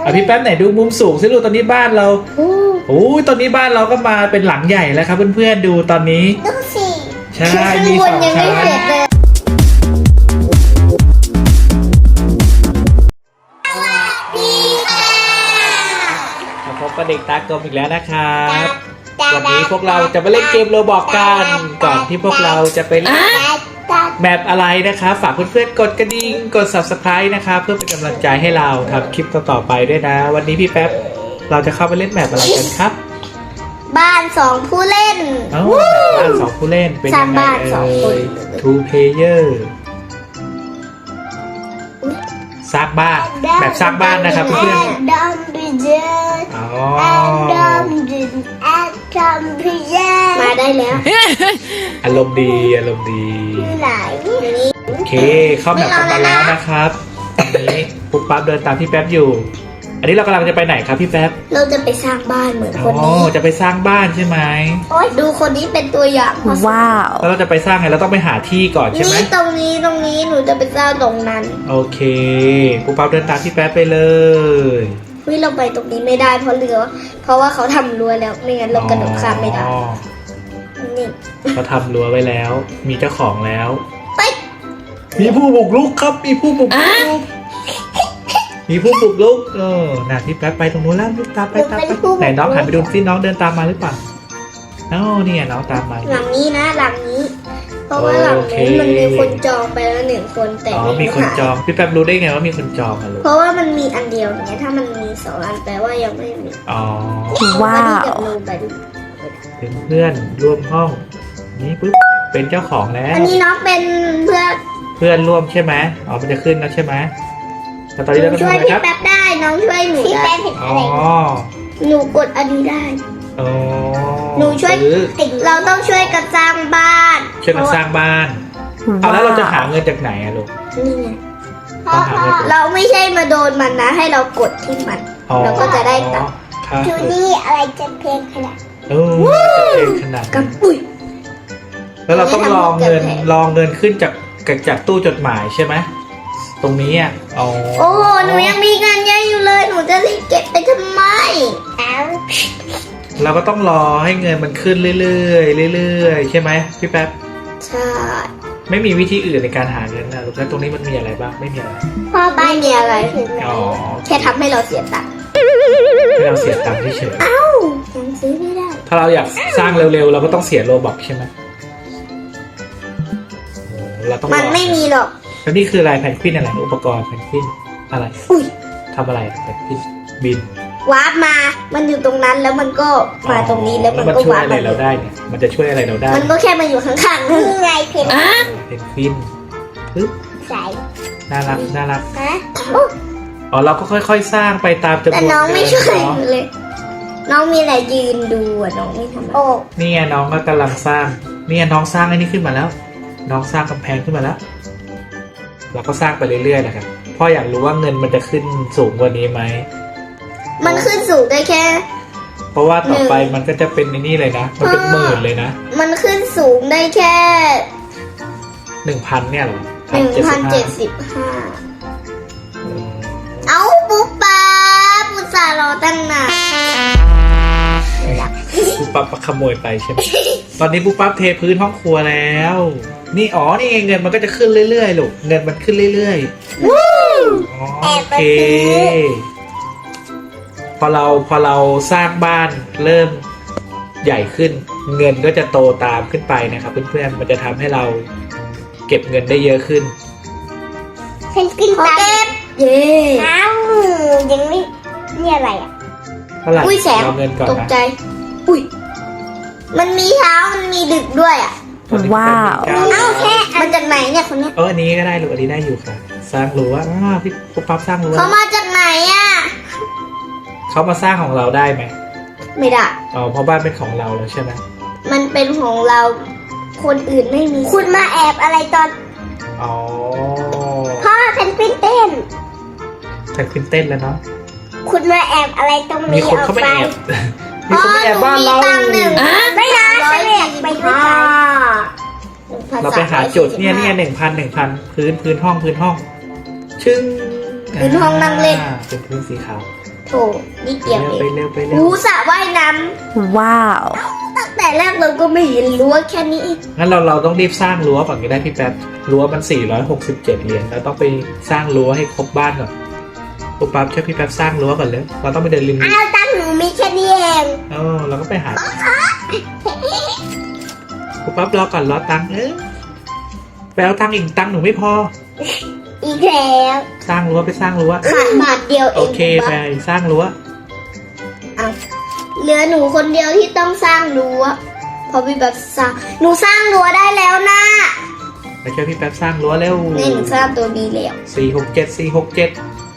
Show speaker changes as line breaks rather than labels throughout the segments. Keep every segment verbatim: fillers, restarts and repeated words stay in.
อ่ะพี่แป๊บไหนดูมุมสูงสิลูกตอนนี้บ้านเราโอ้ยตอนนี้บ้านเราก็มาเป็นหลังใหญ่แล้วครับเพื่อนๆดูตอนนี้
ดูสิ
ใช่
ข้าง
มี
บ
ส
น
อง
ยัง
ชั้
ไม่เสร็จ
น
เลย
มาพบกับเด็กตากลมอีกแล้วนะครับวันนี้พวกเราจะมาเล่นเกมโรบอกกันก่อนที่พวกเราจะไปเล่นแมปอะไรนะครับฝากเพื่อนๆกดกระดิ่งกด ซับสไครบ์ นะครับเพื่อเป็นกำลังใจให้เราทำคลิปต่อๆไปด้วยนะวันนี้พี่แป๊บเราจะเข้าไปเล่นแมปอะไรกันครับ
บ้านสองผู้เล่น
อ๋อบ้านสองผู้เล่นเป็น
สร้า
ยัง งไง
บ้านสองค
เอ่
น
ย two player สร้างบ้านแบบสร้างบ้านนะครับเพื่อน
ดอมบิเจอร์
ๆอ๋อ
ดอมบินแอดดอมบิเจอร์มาได้แล้ว
อารมณ์ดีอารมณ์ดี
ที่ไหนนี่
โอเคเข้าแมปกันมาแล้วนะครับตอนนี้ปุ๊บปั๊บเดินตามพี่แป๊บอยู่ อันนี้เรากำลังจะไปไหนครับพี่แป๊บ
เราจะไปสร้างบ้านเหมือน
อ๋
คน
อ
นี้
จะไปสร้างบ้านใช่ไหม
โอ๊ยดูคนนี้เป็นตัวอย่าง
ว้าว
แล้วเราจะไปสร้างไงเราต้องไปหาที่ก่อนใช่ไหม
นี่ตรงนี้ตรงนี้หนูจะไปสร้างตรงนั้น
โอเคปุ๊บปั๊บเดินตามพี่แป๊บไปเลย
เฮ้ยเราไปตรงนี้ไม่ได้เพราะเรือ เพราะว่าเขาทำรั้วแล้วไม่งั้นเรากระโดดข้ามไม่ได้
อ๋อ
นี่
เขาทำรั้วไว้แล้ว มีเจ้าของแล้ว
ไป
มีผู้บุกรุกครับ มีผู้บุกรุก มีผู้บุกรุก เออน่ะพี่แป๊บไปตรงนู้นแล้วตามไปตามไปไหนน้องหันไปดูซิน้องเดินตามมาหรือเปล่าอ๋อเนี่ยน้องตามมา
หลังนี้นะหลังนี้ เพราะว่าหลัง
โอเค
นี้มันมีคนจองไปแล้วหนึ่งคนแต่
อ๋อ
ไม่
มี
รู้
คน
หา
จอง พี่แป๊บรู้ได้ไงว่ามีคนจองอะลูก
เพราะว่ามันมีอันเดียวเนี่ยถ้ามันมีสองอันแปลว่ายังไม่มี
อ๋อ
ว้าว
เอมดูไปดู
เป็นเพื่อนร่วมห้อง นี่ปุ๊บ เป็นเจ้าของแล้ว
อันนี้น้องเป็นเพื่อน
เพื่อนร่วมใช่ไหมอ๋อ มันจะขึ้นแล้วใช่ไหมแล้วตอนนี้เราต้อง
ช่
ทำ
วย
อะไร
พี่
ครับ
แป๊บได้น้องช่วยหนูได้
อ๋อ
หนูกดอันนี้ได้
อ๋อ
หนูช่วย
ซื้อ
เราต้องช่วยกันสร้างบ้าน
ช่วยกันสร้างบ้าน เอาแล้วเราจะหาเงินจากไหนอะลูก
นี่ไง
ต้องหาเงินจาก
เราไม่ใช่มาโดนมันนะ ให้เรากดที่มัน
อ๋อ
เราก็จะได้ตังค์
ครับ
จูนี่อะไรจะเพลงขนาด
เออจะเป็นขนาด
กั
นั้
บ
น
ปุ๋ย
แล้วเราต้องรอเงิน
ไม่ทำให้เกิดแผล
รอเงินขึ้นจากจากตู้จดหมายใช่ไหมตรงนี้อ่ะอ๋อ
โอ้โหหนูยังมีเงินเยอะอยู่เลย หนูจะรีบเก็บไปทำไมอ้าว
เราก็ต้องรอให้เงินมันขึ้นเรื่อยๆเรื่อยๆใช่ไหมพี่แป๊บ
ใช่
ไม่มีวิธีอื่นในการหาเงินนะลูกแล้วตรงนี้มันมีอะไรบ้างไม่มีอะไร
พ่อไม่มีอะไร
อ๋อ
แค่ทำให้เราเสียตังค์
ให้เราเสียตังค์เฉย
เอ้ายังซื้อไม่ได้
ๆถ้าเราอยากสร้างเร็วๆเราก็ต้องเสียโลบัคใช่ไหมโอ้เราต้องรอ
มันไม่มีหรอก
แล้วนี่คืออะไรแพนกวินอะไรอุปกรณ์แพนกวินอะไร
อุ้ย
ทำอะไรแพนกวินบิน
วาร์ปมา มันอยู่ตรงนั้นแล้วมันก็มาตรงนี้แล้วมัน
มัน
ก็
ช่วยว
าร์ป
อะไร
มา
เราได้เนี่ยมันจะช่วยอะไรเราได้
มันก็แค่มาอยู่ข้างๆนี่ไงเพน
เพนกวินปึ๊บ
ใส่
น่ารักน่ารัก
ฮะ
อ๋อเราก็ค่อยๆสร้างไปตามจำนวน
แต่น้องไม่
เดื
ช่วย
เนาะ
เลย น้องมีอะไรยืนดูอ่ะน้องไม่ทำโอ้
นี่ไงน้องก็กำลังสร้างนี่ไงน้องสร้างไอ้นี่ขึ้นมาแล้ว น้องสร้างกำแพงขึ้นมาแล้ว เราก็สร้างไปเรื่อยๆนะครับพ่ออยากรู้ว่าเงินมันจะขึ้นสูงกว่านี้ไหม
มันขึ้นสูงได้แค่
เพราะว่าต่อไปมันก็จะเป็นในนี่เลยนะ มันเป็นหมื่นเลยนะ
มันขึ้นสูงได้แค่
หนึ่งพันเนี่ยเหรอ
หนึ่งพันเจ็ด
1,075
สิบห้าเอาปุ๊บป๊าปุตส่าห์รอตั้งนาน
ปุ๊บปั๊บขโมยไปใช่ไหม ตอนนี้ปุ๊บปั๊บเทพื้นห้องครัวแล้ว นี่อ๋อนี่ไงเงินมันก็จะขึ้นเรื่อยๆลูกเงินมันขึ้นเรื่อยๆอ๋อโอเค พอเราพอเราสร้างบ้านเริ่มใหญ่ขึ้น เงินก็จะโตตามขึ้นไปนะครับเพื่อนๆมันจะทำให้เราเก็บเงินได้เยอะขึ้น
เพนกวินตาเก็บเย่อ้าวยังไม่นี่อะไรอ่ะ
เท่าไหร่
อุ้ยแสง
เราเงินก่อน
ตก
นะ
ใจ อุ้ย มันมีเช้ามันมีดึกด้วยอ่ะ
ตอนนี้
ว้าว
เป็นหนึ่งเก้
เอ้าแค่มันจากไหนเนี่ยคนเนี้ย
เอออันนี้ก็ได้ลูกอันนี้ได้อยู่ค่ะ สร้างรั้วอ่าพี่ปุ๊บปั๊บสร้างรั้ว
เขามาจากไหนอ่ะ
เขามาสร้างของเราได้ไหม
ไม่ได้
อ๋อเพราะบ้านเป็นของเราแล้วใช่ไหม
มันเป็นของเรา คนอื่นไม่มี คุณมาแอบอะไรตอน
อ๋อ
พ่อเพนกวินเต้น
แต่ขึ้นเต้นแล้วเนาะ
คุณมาแอบอะไรตรง
มี
นี้
คนเข้ามาแอบ มีคนมาแอบบ้านเรา
ตังค์หนึ่งไม่นะฉันอยากไปด้วยกัน
เราไปหาจุดเนี่ยเนี่ยหนึ่งพันหนึ่งพันพื้นพื้นห้องพื้นห้อง ชึ้ง
พื้นห้องนั่งเล่น
อ่าเป็นพื้นสีขาว
โถนิดเดียวเอ
ไป
ง
เร็วไปเร็ว
หูสระว่ายน้
ว้าว
ำตั้งแต่แรกเราก็ไม่เห็นรั้วแค่นี้เอง
งั้นเราเราต้องรีบสร้างรั้วก่อนก็ได้พี่แป๊บรั้วมันสี่ร้อยหกสิบเจ็ดเหรียญเราต้องไปสร้างรั้วให้ครบบ้านก่อนปุ๊บปั๊บช่วยพี่แป๊บสร้างรั้วก่อนเลยเราต้องไปเดินริม
อ้าวตั้งหนูมีแค่นี้เอง
เออเราก็ไปหาปุ๊บปั๊บรอก่อนรอตังค์เออไปเอาตังค์อีกตังค์หนูไม่พอ
อีกแล้ว
สร้างรั้วไปสร้างรั้ว
ขาดบาทเดียวเอ
โอง เคไปสร้างรั้ว
เอาเหลือหนูคนเดียวที่ต้องสร้างรั้วเพราะพี่แบบสร้างหนูสร้างรั้วได้แล้วนะ
ไปช่วยพี่แป๊บสร้างรั้วเร็ว
นี่หนูสร้างตัวบีแล้ว
สี่หกเจ็ดสี่หกเจ็ด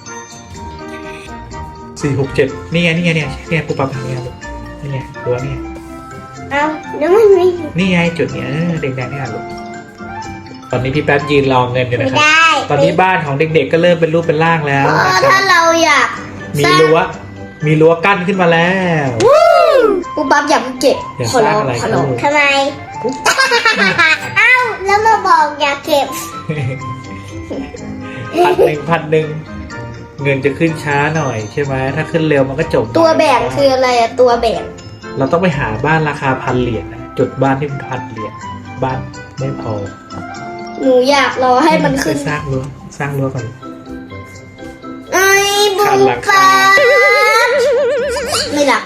สี่หกเจ็ดนี่ไงนี่ไงเนี่ยเนี่ยปุ๊บปั๊บทางเนี้ยลูกนี่ไงรั้วนี่ไง
เอาแล้วมันไม่
นี่ไงจุดเนี้ยเออแดงๆนี่แหละลูกตอนนี้พี่แป๊บยืนรอเงินอยู่
ไม่
นะครับ
ได้
ตอนนี้บ้านของเด็กๆก็เริ่มเป็นรูปเป็นร่างแล้ว
เออ
นะค
ถ้า
รับ
เราอยาก
มี
สร้าง
รั้วมีรั้วกั้นขึ้นมาแล้ว
ปุ๊บปั๊บอย่าเพิ่งเก็บ
อย่า
ขอร้อง
สร้างอะไร
ขอร้อง
ครับ
ทำไม เอ้าแล้วมาบอกอย่าเก็บ
พันหนึ่งพันหนึ่งเงินจะขึ้นช้าหน่อยใช่ไหมถ้าขึ้นเร็วมันก็จบ
ตัวแบ่งคืออะไรอะตัวแบ่ง
เราต้องไปหาบ้านราคาพันเหรียญนะจุดบ้านที่มันพันเหรียญบ้านไม่พอ
หนูอยากรอให้มันขึ้น
ไปสร้างรั้วสร้างรั้วก่อน
ไอ้บุ
ขาด
ญ
หลัง
ปา
คา
ไม่หลับ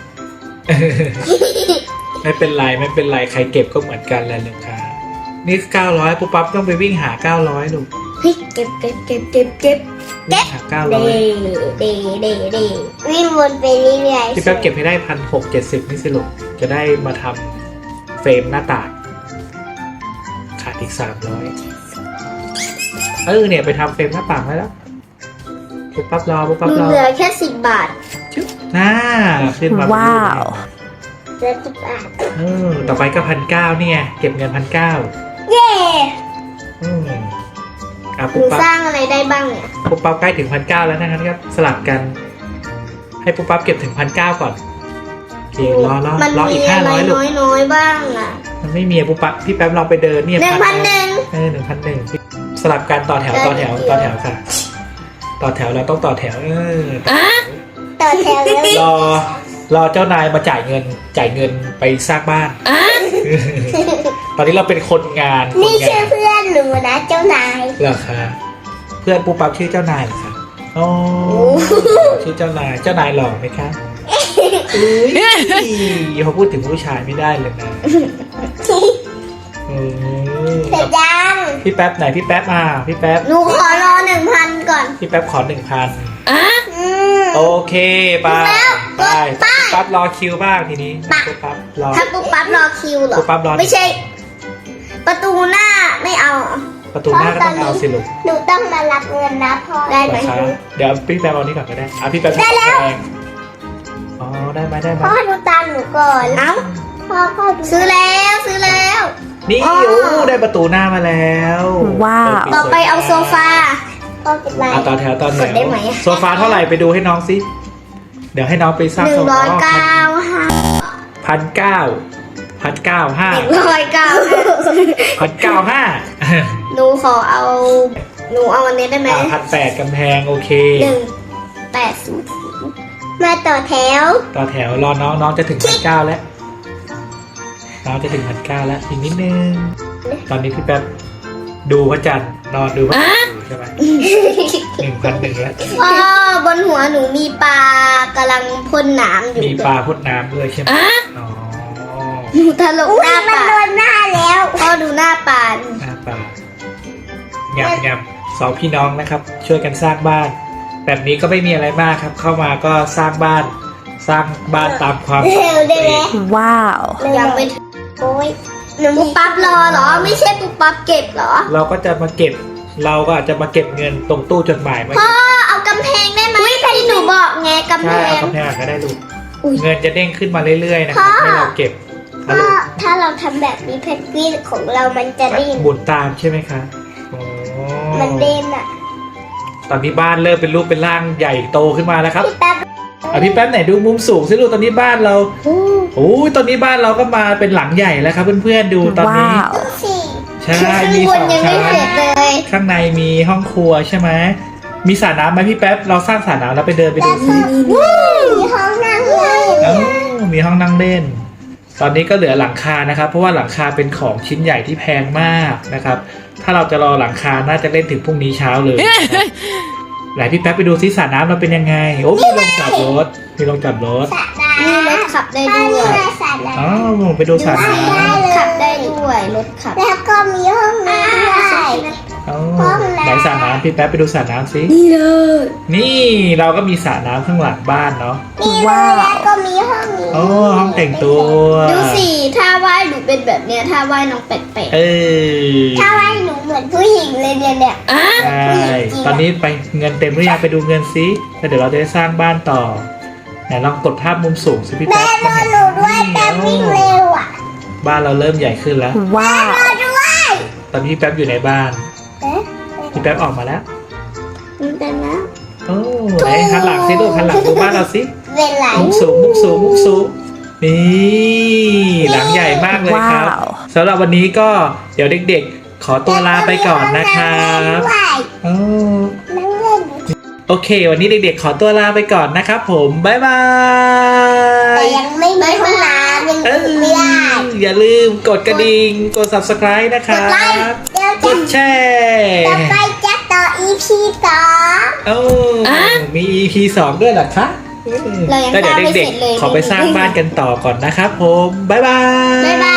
ไม่เป็นไรไม่เป็นไรใครเก็บก็เหมือนกันแหละลูกค้านี่เก้าร้อยปุ๊บปั๊บต้องไปวิ่งหาเก้าร้อยลูก
เฮ้ยเก็บเก็บเก็บเก็บเก็บ
วิ่งหาเก้า
เด
ร้อย
เดเดเดวิ่งวนไปเรื่อยๆ
พี่แป๊บเก็บให้ได้พันหกเจ็ดสิบนี่สิลูกจะได้มาทำเฟรมหน้าต่างขาดอีกสามร้อยเออเนี่ยไปทำเฟรมหน้าต่างได้แล้วปุ๊บปั๊บรอปุ๊บ
ห
ปั๊บ
นู
รอ
เหลือแค่สิบบาท
ชึบน่าขึ้นมา
ว้าว
เหลือสิบบาท
เออต่อไปก็พันเก้าเนี่ยเก็บเงินพันเก้า
เย่
อืมอ่ะ
ห
ปุ๊
นู
บปั๊บ
สร้างอะไรได้บ้างเนี่ย
ปุ๊บปั๊บใกล้ถึงพันเก้าแล้วนะครับครับสลับกัน ให้ปุ๊บปั๊บเก็บถึงพันเก้าก่อนโอเครอรอ
มัน
รออี
มี
กห้า
อะไร
ร้อยลูก
น้อยๆบ้างอ่ะ
มันไม่มีอะปุ๊บปั๊บพี่แป๊บลองไปเดินเนี่ย
หนึ่งพันหนึ่ง
เออหนึ่งพันหนึ่งสลับกันต่อแถวต่อแถวต่อแถวค่ะ ต่อแถวเราต้องต่อแถวเออ
ต่อแถวแล้ว
รอรอเจ้านายมาจ่ายเงินจ่ายเงินไปสร้างบ้าน ตอนนี้เราเป็นคนงานคน
นี่
งา
ชื่อน เพื่อนหนูนะเจ้านาย
เหรอคะเพื่อนปุ๊บปั๊บชื่อเจ้านายเหรอคะอ๋อชื่อเจ้านายเจ้านายหล่อไหมคะอุ้ยพอพูดถึงผู้ชายไม่ได้เลยนะอืม
เสร็จยัง
พี่แป๊บไหนพี่แป๊บอ่ะพี่แป๊บ
หนูขอรอหนึ่งพันก่อน
พี่แป๊บขอหนึ่งพัน
อืม
โอเคไป
แล้ว
ไป
ไป
ปุ๊บปั๊บรอคิวบ้างทีนี้
ไป
ปุ๊บปั๊บรอ
ถ้าปุ๊บปั๊บรอคิวเหรอ
ปุ๊บปั๊บรอ
ไม่ใช่ ประตูหน้าไม่เอา
ประตูหน้าก็ต้องเอาสิลูก
หนูต้องมารับเงินนะพ่อได้ไหม
นะคะเดี๋ยวพี่แป๊บเอานี้ก่อนก็ได้อ่ะพี่แป๊บ
ได้แล้ว
เองอ๋อได้ไหมได้ไหม
พ่อดูตังค์หนูก่อนเอ้าพ่อพ่อซื้อแล้วซื้อแล้ว
นี่
อ๋อ
โอ้ได้ประตูหน้ามาแล้ว
ว้าว
ปิด
ต่อไปเอาโซ
สวย
ฟาพ่อเป็นไร
อ่ะต่อแถวต่อแถ
ก
ว
ดได้ไหม
โซฟาเท่าไหร่ไปดูให้น้องสิเดี๋ยวให้น้องไปสร้าง
หนึ่
โซ
ง
ฟา
ร้อยเก้าห้า
พันเก้าพันเก้าห้า
หนึ่งร้อยเก้า
พันเก้าห้า
หนูขอเอา หนูเอาอันนี้ได้ไหม
พันแปดกำแพงโอเค
หนึ่งแปดศูนย์มาต่อแถว
ต่อแถวรอน้องน้องจะถึงพันเก้าแล้วน้องจะถึงพันเก้าแล้วอีกนิดนึงตอนนี้พี่แป๊บดูพระจันทร์นอนดูพระจันทร์อยู่ใช่ไหมหนึ่งพันหนึ่งแล้ว
พ่อบนหัวหนูมีปลากำลังพ่นน้ำอยู่
มีปลาพ่นน้ำด้วยใช่ไหมอ๋อ
หนูทะลุหน้าปลามันโดนหน้าแล้วพ่อดูหน้าปลา
หน้าปลาหยับหยับสองพี่น้องนะครับ ช่วยกันสร้างบ้าน แบบนี้ก็ไม่มีอะไรมากครับ เข้ามาก็สร้างบ้าน สร้างบ้านตามความ
เร็วได้ไหม
ว้าว
ยังไม่ถึงโอ้ยหนูปุ๊บปั๊บรอเหรอ ไม่ใช่ปุ๊บปั๊บเก็บเหรอ
เราก็จะมาเก็บ เราก็อาจจะมาเก็บเงินตรงตู้จดหมายมา
พ่อเอากำแพงได้ไหมที่หนูบอกไงกำแพ
ใช่เอา
ง
กำแพงก็ได้ลูก
อุ๊ย
เงินจะเด้งขึ้นมาเรื่อยๆนะครับ
พ่อ
ให้เราเก็บนะ
ถ้า
ลูก
ถ้าเราทำแบบนี้เพนกวินของเรามันจะดิ้น
หมุนตามใช่ไหมคะโอ้
มันเด่นอ่ะ
ตอนนี้บ้านเริ่มเป็นรูปเป็นร่างใหญ่โตขึ้นมาแล้วครับ
พี่แป๊บ
อ่ะพี่แป๊บไหนดูมุมสูงสิลูกตอนนี้บ้านเรา
อู้
โอ้ยตอนนี้บ้านเราก็มาเป็นหลังใหญ่แล้วครับเพื่อนๆดูตอนนี้
ว้าว
สี่
ใช่
ข้าง
มี
บ
ส
น
อง
ยังไม่
ชั้น
เสร็จเลย
ข้างในมีห้องครัวใช่ไหมมีสระน้ำไหมพี่แป๊บเราสร้างสระน้ำแล้วไปเดินไปดูสิ
มีห้องนั่งเล่น
เอ้ามีห้องนั่งเล่น ตอนนี้ก็เหลือหลังคานะครับ เพราะว่าหลังคาเป็นของชิ้นใหญ่ที่แพงมากนะครับ ถ้าเราจะรอหลังคาน่าจะเล่นถึงพรุ่งนี้เช้าเลยนะครับไหนพี่แป๊บไปดูซิสระน้ำเราเป็นยังไงโอ้มีลงจอดรถมีลงจอดรถ
มีรถขับได้ด้วย
อ๋อไปดูสระน้ำ
ขับได้ด้วยรถขับแล้วก็มีห้องน้ำด้วย
อ๋อไหนสระน้ำพี่แป๊บไปดูสระน้ำสิ
นี่เลย
นี่เราก็มีสระน้ำข้างหลังบ้านเนาะ
นี่เลยแล้วก็มีห้องนี้
โอ้ห้องแต่งตัว
ดูสิถ้าว่ายหนูเป็นแบบเนี้ยถ้าว่ายน้องแปลก
เออ
ๆถ้าว่ายหนูเหมือนผู้หญิงเลยเนี่ยเนี่ย
ใช่ตอนนี้ไปเงินเต็มหรือยังไปดูเงินซิแล้วเดี๋ยวเราจะได้สร้างบ้านต่อไหนลองกดภาพมุมสูงสิพี่แป๊บ
รอหนูด้วยแป๊บวิ่งเร็วอ่ะ
บ้านเราเริ่มใหญ่ขึ้นแล้ว
ว้าวรอด้วย
ตอนนี้พี่แป๊บอยู่ในบ้าน
เอ๊ะ
พี่แป๊บออกมาแล้ว
มันเป็นนะ
โอ้ไหนหันหลังสิลูกหันหลังดูบ้านเราสิ
เวลา
มุมสูงมุมสูงมุมสูงนี่หลังใหญ่มากเลยครับสำหรับวันนี้ก็เดี๋ยวเด็กๆ ขอตัวลาไปก่อนนะครับโอ้
นั่งเล่น
โอเค วันนี้เด็กๆ ขอตัวลาไปก่อนนะครับผมบ๊ายบาย
แต่ยังไม่มีห้องน้ำยัง
เอ
ดู
อ
ไม่ได้
อย่าลืมกดกระดิ่งกด ซับสไครบ์ นะค
ก
รั
ดไลค์
บ
เดี๋ยว
ก
จะ
ดแชร์
ต่อไปจะต่อ อี พี สอง
โอ้มี อี พี สองด้วยเหรอคะ
เรายัง
แล้วเดี๋ยว
สร้างไม่
เด็ก
เสร็จเลย
ๆ ขอไปสร้างบ้านกันต่อก่อนนะครับผมบ๊ายบาย
บ๊ายบา